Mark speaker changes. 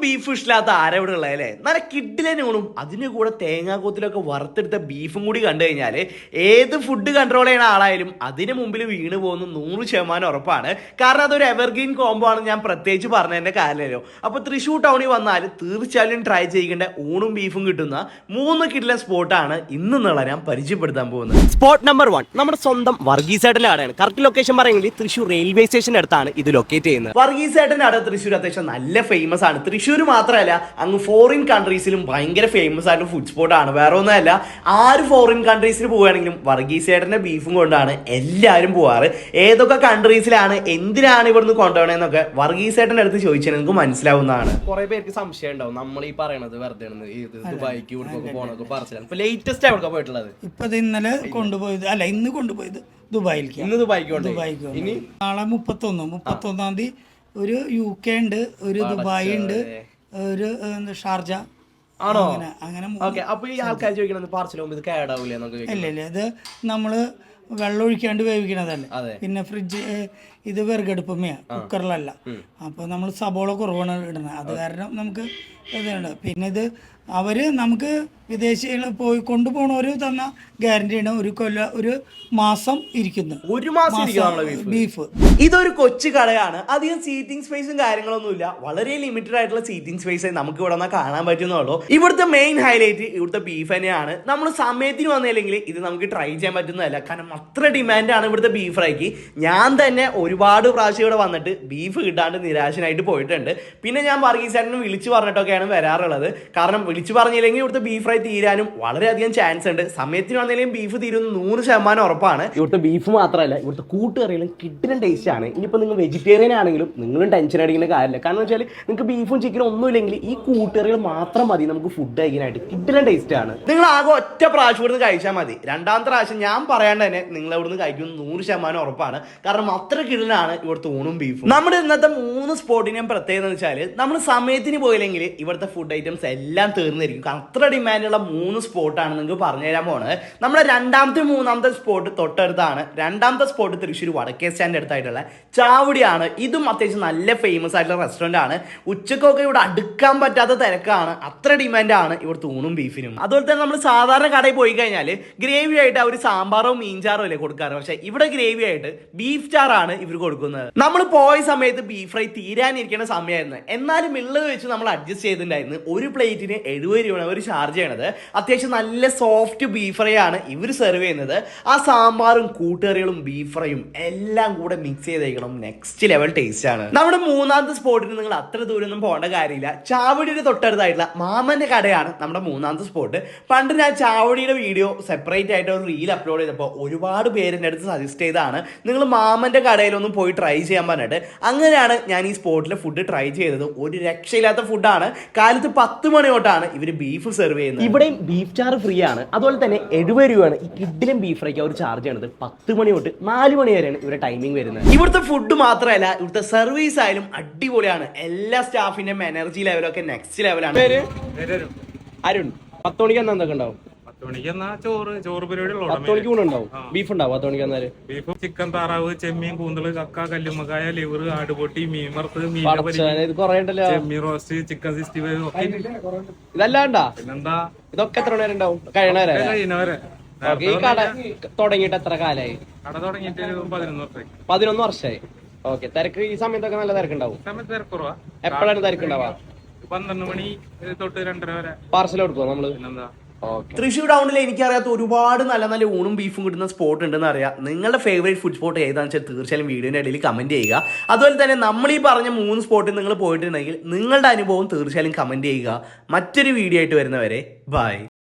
Speaker 1: Beef ഇഷ്ടമില്ലാത്ത ആരാ ഇവിടെ ഉള്ളതല്ലേ? നല്ല കിഡിലൂണും അതിന് കൂടെ തേങ്ങാക്കൂത്തിലൊക്കെ വറുത്തെടുത്ത ബീഫും കൂടി കണ്ടു കഴിഞ്ഞാൽ ഏത് ഫുഡ് കൺട്രോൾ ചെയ്യുന്ന ആളായാലും അതിന് മുമ്പിൽ വീണ് പോകുന്നു 100% ഉറപ്പാണ്. കാരണം അതൊരു എവർഗ്രീൻ കോംബോ ആണ്. ഞാൻ പ്രത്യേകിച്ച് പറഞ്ഞതിന്റെ കാര്യമല്ലോ. അപ്പോൾ തൃശ്ശൂർ ടൗണിൽ വന്നാൽ തീർച്ചയായും ട്രൈ ചെയ്യേണ്ട ഊണും ബീഫും കിട്ടുന്ന 3 കിഡിലൻ സ്പോട്ടാണ് ഇന്ന് ഞാൻ പരിചയപ്പെടുത്താൻ പോകുന്നത്. സ്പോട്ട് നമ്പർ 1 നമ്മുടെ സ്വന്തം വർഗീസേട്ടൻ്റെ കടയാണ്. കറക്റ്റ് ലൊക്കേഷൻ പറയുമെങ്കിൽ തൃശ്ശൂർ റെയിൽവേ സ്റ്റേഷൻ്റെ അടുത്താണ് ഇത് ലൊക്കേറ്റ് ചെയ്യുന്നത്. വർഗീസേട്ടൻ്റെ കട തൃശ്ശൂർ അത്യാവശ്യം നല്ല ഫേമസ് ആണ്. തൃശ്ശൂർ മാത്രമല്ല, അങ്ങ് ഫോറിൻ കൺട്രീസിലും ഭയങ്കര ഫേമസ് ആയിട്ട് ഫുഡ് സ്പോട്ട് ആണ്. വേറെ ഒന്നുമല്ല, ആര് ഫോറിൻ കൺട്രീസിൽ പോവുകയാണെങ്കിലും വർഗീസേട്ടന്റെ ബീഫും കൊണ്ടാണ് എല്ലാവരും പോവാറ്. ഏതൊക്കെ കൺട്രീസിലാണ്, എന്തിനാണ് ഇവിടുന്ന് കൊണ്ടുപോകണമെന്നൊക്കെ വർഗീസേട്ടന്റെ അടുത്ത് ചോദിച്ചാൽ നിങ്ങൾക്ക് മനസ്സിലാവുന്നതാണ്. കുറെ പേർക്ക് സംശയം ഉണ്ടാവും നമ്മൾ ഈ പറയണത് വെറുതെ ദുബായിക്ക് ഇവിടേക്കൊക്കെ പോകണൊക്കെ പറച്ചിലാണ്. ഇപ്പൊ ലേറ്റസ്റ്റ് എവിടെ പോയിട്ടുള്ളത്?
Speaker 2: ഇപ്പൊ ഇന്നലെ കൊണ്ടുപോയത് അല്ല, ഇന്ന് കൊണ്ടുപോയത് ദുബായിലേക്ക്.
Speaker 1: ഇന്ന് ദുബായിക്ക്
Speaker 2: ഇനി നാളെ 31-ാം തീയതി ഒരു UK ഉണ്ട്, ഒരു ദുബായ് ഉണ്ട്, ഒരു ഷാർജ.
Speaker 1: ആണോ?
Speaker 2: അങ്ങനെ.
Speaker 1: അപ്പൊ ഈ ആൾക്കാർ ചോദിക്കണത് പാർസൽ ഇത് കേടാവൂലേ?
Speaker 2: ഇല്ല, ഇത് നമ്മള് വെള്ളം ഒഴിക്കാണ്ട് വേവിക്കണതല്ലേ. പിന്നെ ഫ്രിഡ്ജ് ഇത് വിറകടുപ്പമേ, കുക്കറിലല്ല. അപ്പൊ നമ്മൾ സബോള കുറവാണ് ഇടുന്നത്, അത് കാരണം നമുക്ക് ഇതുണ്ട്. പിന്നെ ഇത് അവര് നമുക്ക് വിദേശികൾ പോയി കൊണ്ടുപോകണവര് തന്ന ഗ്യാരണ്ടിയാണ്. ഒരു മാസം ഇരിക്കുന്നു. ബീഫ്.
Speaker 1: ഇതൊരു കൊച്ചു കടയാണ്. അധികം സീറ്റിംഗ് സ്പേസും കാര്യങ്ങളൊന്നുമില്ല. വളരെ ലിമിറ്റഡ് ആയിട്ടുള്ള സീറ്റിംഗ് സ്പേസ് നമുക്ക് ഇവിടെ നിന്ന് കാണാൻ പറ്റുന്നുള്ളൂ. ഇവിടുത്തെ മെയിൻ ഹൈലൈറ്റ് ഇവിടുത്തെ ബീഫ് തന്നെയാണ്. നമ്മൾ സമയത്തിന് വന്നില്ലെങ്കിൽ ഇത് നമുക്ക് ട്രൈ ചെയ്യാൻ പറ്റുന്നതല്ല. കാരണം അത്ര ഡിമാൻഡാണ് ഇവിടുത്തെ ബീഫ് ഫ്രൈക്ക്. ഞാൻ തന്നെ ഒരുപാട് പ്രാവശ്യം ഇവിടെ വന്നിട്ട് ബീഫ് കിട്ടാണ്ട് നിരാശനായിട്ട് പോയിട്ടുണ്ട്. പിന്നെ ഞാൻ വർഗീസേട്ടനെ വിളിച്ചു പറഞ്ഞിട്ടൊക്കെയാണ് വരാറുള്ളത്. കാരണം വിളിച്ചു പറഞ്ഞില്ലെങ്കിൽ ഇവിടുത്തെ ബീഫ് ഫ്രൈ തീരാനും വളരെയധികം ചാൻസ് ഉണ്ട്. സമയത്തിന് വന്നില്ലെങ്കിൽ ബീഫ് തീരുന്ന 100% ഉറപ്പാണ്. ഇവിടുത്തെ ബീഫ് മാത്രമല്ല, ഇവിടുത്തെ കൂട്ടുകറികളും കിഡിലൻ ടേസ്റ്റ് ആണ്. ഇനിയിപ്പോൾ നിങ്ങൾ വെജിറ്റേറിയൻ ആണെങ്കിലും നിങ്ങളും ടെൻഷൻ അടിക്കുന്ന കാര്യമില്ല. കാരണം വെച്ചാൽ നിങ്ങൾക്ക് ബീഫും ചിക്കനും ഒന്നും ഇല്ലെങ്കിൽ ഈ കൂട്ടുകറികൾ മാത്രം മതി നമുക്ക് ഫുഡ് കഴിക്കാനായിട്ട്. കിഡിലൻ ടേസ്റ്റ് ആണ്. നിങ്ങൾ ആകെ ഒറ്റ പ്രാവശ്യം ഇവിടുന്ന് കഴിച്ചാൽ മതി. രണ്ടാമത്തെ പ്രാവശ്യം ഞാൻ പറയാണ്ട് തന്നെ നിങ്ങൾ ഇവിടുന്ന് കഴിക്കുന്നത് 100% ഉറപ്പാണ്. കാരണം അത്ര കിഡിലാണ് ഇവിടുത്തെ ഊണും ബീഫും. നമ്മുടെ ഇന്നത്തെ 3 സ്പോട്ടിനെയും പ്രത്യേകത എന്ന് വെച്ചാൽ നമ്മൾ സമയത്തിന് പോയില്ലെങ്കിൽ ഇവിടുത്തെ ഫുഡ് ഐറ്റംസ് എല്ലാം തീർന്നിരിക്കും. അത്ര ഡിമാൻഡുള്ള 3 സ്പോട്ടാണ് നിങ്ങൾക്ക് പറഞ്ഞു തരാൻ പോകുന്നത്. നമ്മുടെ രണ്ടാമത്തെ 3ാമത്തെ സ്പോട്ട് തൊട്ടടുത്താണ്. രണ്ടാമത്തെ സ്പോട്ട് തൃശ്ശൂർ വടക്കേ സ്റ്റാൻഡ് അടുത്തായിട്ടുള്ള ചാവടിയാണ്. ഇതും അത്യാവശ്യം നല്ല ഫേമസ് ആയിട്ടുള്ള റെസ്റ്റോറൻ്റ് ആണ്. ഉച്ചക്കൊക്കെ ഇവിടെ അടുക്കാൻ പറ്റാത്ത തിരക്കാണ്. അത്ര ഡിമാൻഡാണ് ഇവിടുത്തെ ഊണും ബീഫിനും. അതുപോലെ തന്നെ നമ്മൾ സാധാരണ കടയിൽ പോയി കഴിഞ്ഞാൽ ഗ്രേവി ആയിട്ട് അവർ സാമ്പാറോ മീൻചാറോ അല്ലേ കൊടുക്കാറ്. പക്ഷേ ഇവിടെ ഗ്രേവി ആയിട്ട് ബീഫ് ചാറാണ് ഇവർ കൊടുക്കുന്നത്. നമ്മൾ പോയ സമയത്ത് ബീഫ് ഫ്രൈ തീരാനിരിക്കുന്ന സമയമായിരുന്നു. എന്നാലും ഉള്ളത് വെച്ച് നമ്മൾ അഡ്ജസ്റ്റ് ചെയ്തിട്ടുണ്ടായിരുന്നു. ഒരു പ്ലേറ്റിന് 70 രൂപയാണ് അവർ ചാർജ് ചെയ്യണത്. അത്യാവശ്യം നല്ല സോഫ്റ്റ് ബീഫ് ഫ്രൈ ആണ് ഇവർ സെർവ് ചെയ്യുന്നത്. ആ സാമ്പാറും കൂട്ടുകറികളും ബീഫ് ഫ്രൈയും എല്ലാം കൂടെ മിക്സ് ചെയ്തേക്കണം. നെക്സ്റ്റ് ലെവൽ ടേസ്റ്റ് ആണ്. നമ്മുടെ 3ാമത്തെ സ്പോട്ടിന് നിങ്ങൾ അത്ര ദൂരമൊന്നും പോകേണ്ട കാര്യമില്ല. ചാവടിയുടെ തൊട്ടടുത്തായിട്ടുള്ള മാമന്റെ കടയാണ് നമ്മുടെ 3ാമത്തെ സ്പോട്ട്. പണ്ട് ഞാൻ ചാവടിയുടെ വീഡിയോ സെപ്പറേറ്റ് ആയിട്ട് ഒരു റീൽ അപ്ലോഡ് ചെയ്തപ്പോൾ ഒരുപാട് പേരെൻ്റെ അടുത്ത് സജസ്റ്റ് ചെയ്തതാണ് നിങ്ങൾ മാമന്റെ കടയിലൊന്നും പോയി ട്രൈ ചെയ്യാൻ പറഞ്ഞിട്ട്. അങ്ങനെയാണ് ഞാൻ ഈ സ്പോട്ടിലെ ഫുഡ് ട്രൈ ചെയ്തത്. ഒരു രക്ഷയില്ലാത്ത ഫുഡാണ്. കാലത്ത് 10 മണി തൊട്ടാണ് ഇവർ ബീഫ് സെർവ് ചെയ്യുന്നത്. ഇവിടെയും ബീഫ് ചാറ് ഫ്രീ ആണ്. അതുപോലെ തന്നെ 70 രൂപയാണ് ഈ കിഡിലും ബീഫ് ഫ്രൈക്ക് അവർ ചാർജ് ചെയ്യണത്. 10 മണി തൊട്ട് 4 മണി വരെയാണ് ഇവരുടെ ടൈമിംഗ് വരുന്നത്. ഇവിടുത്തെ ഫുഡ് മാത്രമല്ല, ഇവിടുത്തെ സർവീസ് ആയാലും അടിപൊളിയാണ്. എല്ലാ സ്റ്റാഫിന്റെയും എനർജി ലെവലൊക്കെ നെക്സ്റ്റ് ലെവലാണ്. അരുൺ, 10 മണിക്ക് എന്തൊക്കെ ഉണ്ടാവും?
Speaker 3: 10 ചോറ് പരിപാടി
Speaker 1: 10 മണിക്ക് ഉണ്ടാവും. ബീഫ് ഉണ്ടാവും 10 മണിക്ക് വന്നാല്.
Speaker 3: ബീഫ്, ചിക്കൻ, താറാവ്, ചെമ്മീൻ, കൂന്തള്, കക്ക, കല്ലുമ്മക്കായ, ലിവർ, ആടുപൊട്ടി, മീൻ വറുത്ത്, ചെമ്മീൻ റോസ്റ്റ്, ചിക്കൻ 65 ഒക്കെ
Speaker 1: ഇതല്ലാണ്ടാ.
Speaker 3: പിന്നെന്താ,
Speaker 1: ഇതൊക്കെ എത്ര മണി വരെ ഉണ്ടാവും? കഴിയണവരെ. ഈ കട തുടങ്ങിയിട്ട് എത്ര കാലായി?
Speaker 3: കട തുടങ്ങിയിട്ട്
Speaker 1: 11 വർഷമായി. ഓക്കെ. തിരക്ക് ഈ സമയത്തൊക്കെ നല്ല തിരക്കുണ്ടാവും?
Speaker 3: സമയത്ത് തിരക്കുറവാ.
Speaker 1: എപ്പോഴാണ് തിരക്കുണ്ടാവാ?
Speaker 3: 12 മണി തൊട്ട് 2:30 വരെ.
Speaker 1: പാർസൽ കൊടുക്കുമോ നമ്മള്?
Speaker 3: പിന്നെന്താ.
Speaker 1: തൃശ്ശൂർ ടൗണിൽ എനിക്കറിയാത്ത ഒരുപാട് നല്ല നല്ല ഊണും ബീഫും കിട്ടുന്ന സ്പോട്ട് ഉണ്ടെന്ന് അറിയാം. നിങ്ങളുടെ ഫേവറേറ്റ് ഫുഡ് സ്പോട്ട് ഏതാണെന്ന് വെച്ചാൽ തീർച്ചയായും വീഡിയോയുടെ ഇടയിൽ കമന്റ് ചെയ്യുക. അതുപോലെ തന്നെ നമ്മൾ ഈ പറഞ്ഞ 3 സ്പോട്ടിൽ നിങ്ങൾ പോയിട്ടുണ്ടെങ്കിൽ നിങ്ങളുടെ അനുഭവം തീർച്ചയായും കമന്റ് ചെയ്യുക. മറ്റൊരു വീഡിയോ ആയിട്ട് വരുന്നവരെ ബൈ.